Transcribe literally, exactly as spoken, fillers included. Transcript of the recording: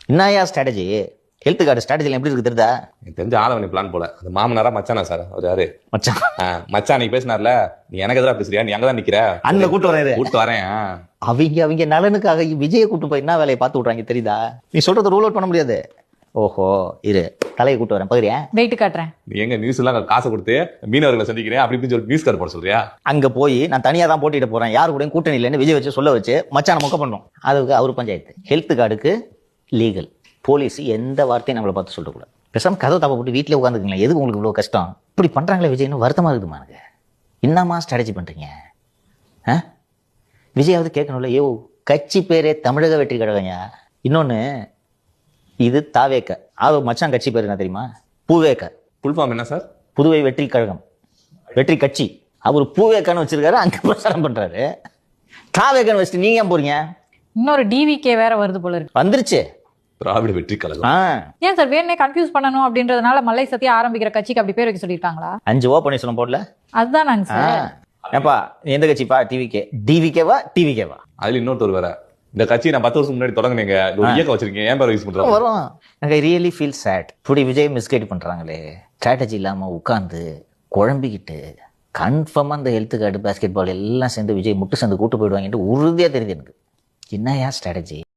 என்னையா strategy? Health card strategy எப்படி இருக்கு தெரியுதா? எனக்கு தெரிஞ்ச ஆளவனி பிளான் போல. அது மாமனாரா மச்சானா சார்? அவர் யாரு மச்சான்? மச்சான் நீ பேசினார்ல, நீ எனக்கு எதிராக பேசுறியா? நீ அங்கதான் நிக்கிற. அங்க கூட்டு வரேன் கூட்டு வரேன். அவங்க அவங்க நலனுக்காக விஜயை கூட்டு போய் என்ன வேலையை பார்த்து விட்றாங்க தெரியுதா? நீ சொல்றது ரூல் அவுட் பண்ண முடியாது. ஓஹோ, இரு தலையை கூட்டு வரேன், பகுதியா வெயிட் காட்டுறேன். நீ எங்க நியூஸ் எல்லாம் காசை கொடுத்து மீனவர்களை சந்திக்கிறேன் அப்படி இப்படின்னு சொல்லி நியூஸ் கார்டு போட சொல்றியா? அங்க போய் நான் தனியா தான் போட்டிட்டு போறேன், யாரு கூட கூட்டணி இல்லைன்னு விஜய் வச்சு சொல்ல வச்சு மச்சான மொக்க பண்ணோம். அதுக்கு அவரு பஞ்சாயத்து. ஹெல்த் கார்டுக்கு லீகல். போலீஸ் எந்த வார்த்தையும் நம்மளை பார்த்து சொல்லக்கூடாது. பேசாம கதை தப்ப போட்டு வீட்டிலே உட்காந்துருக்கீங்களா? எதுக்கு உங்களுக்கு இவ்வளவு கஷ்டம்? இப்படி பண்றாங்களே விஜய்னு வருத்தமா இருக்குதுமா எனக்கு. என்னமா ஸ்ட்ராட்டஜி பண்றீங்க? விஜயாவது கேட்கணும்ல, ஏ கட்சி பேரே தமிழக வெற்றி கழகம்யா. இன்னொன்னு, இது தாவேக்க. அது மச்சான் கட்சி பேர் என்ன தெரியுமா? பூவேக்க. ஃபுல் ஃபார்ம் என்ன சார்? புதுவை வெற்றி கழகம், வெற்றி கட்சி. அவர் பூவேக்கான்னு வச்சிருக்காரு, அங்க பிரச்சாரம் பண்றாரு. தாவேக்கன்னு வச்சுட்டு நீங்க ஏன் போறீங்க? இன்னொரு டிவிகே வேற வருது போல இருக்கு. வந்துருச்சு திராவிட வெற்றி கழகம். ஏன் சார் வேணே கன்ஃபியூஸ் பண்ணணும் அப்படின்றதுனால மல்லை சத்தியா ஆரம்பிக்கிற கட்சிக்கு அப்படி பேர் வைக்க சொல்லிருக்காங்களா? அஞ்சு ஓ பண்ணி சொல்ல போடல. அதுதான் நாங்க சார். ஏப்பா எந்த கட்சிப்பா? டிவிகே. டிவிகேவா டிவிகேவா? அதுல இன்னொருத்தர் வேற. இந்த கட்சி நான் பத்து வருஷம் முன்னாடி தொடங்குனீங்க, ஒரு இயக்கம் வச்சிருக்கீங்க, ஏன் பேர் யூஸ் பண்றாங்க? வரும். எனக்கு ரியலி ஃபீல் சேட். இப்படி விஜய் மிஸ்கைட் பண்றாங்களே. ஸ்ட்ராட்டஜி இல்லாம உட்கார்ந்து குழம்பிக்கிட்டு கன்ஃபார்மா அந்த ஹெல்த் கார்டு, பாஸ்கெட் பால் எல்லாம் சேர்ந்து விஜய் முட்டு சேர்ந்து கூட்டு போயிடுவாங்கன்ட்டு உறுதியா தெரியுது எனக்கு. என்னையா ஸ்ட்ராட்டஜி?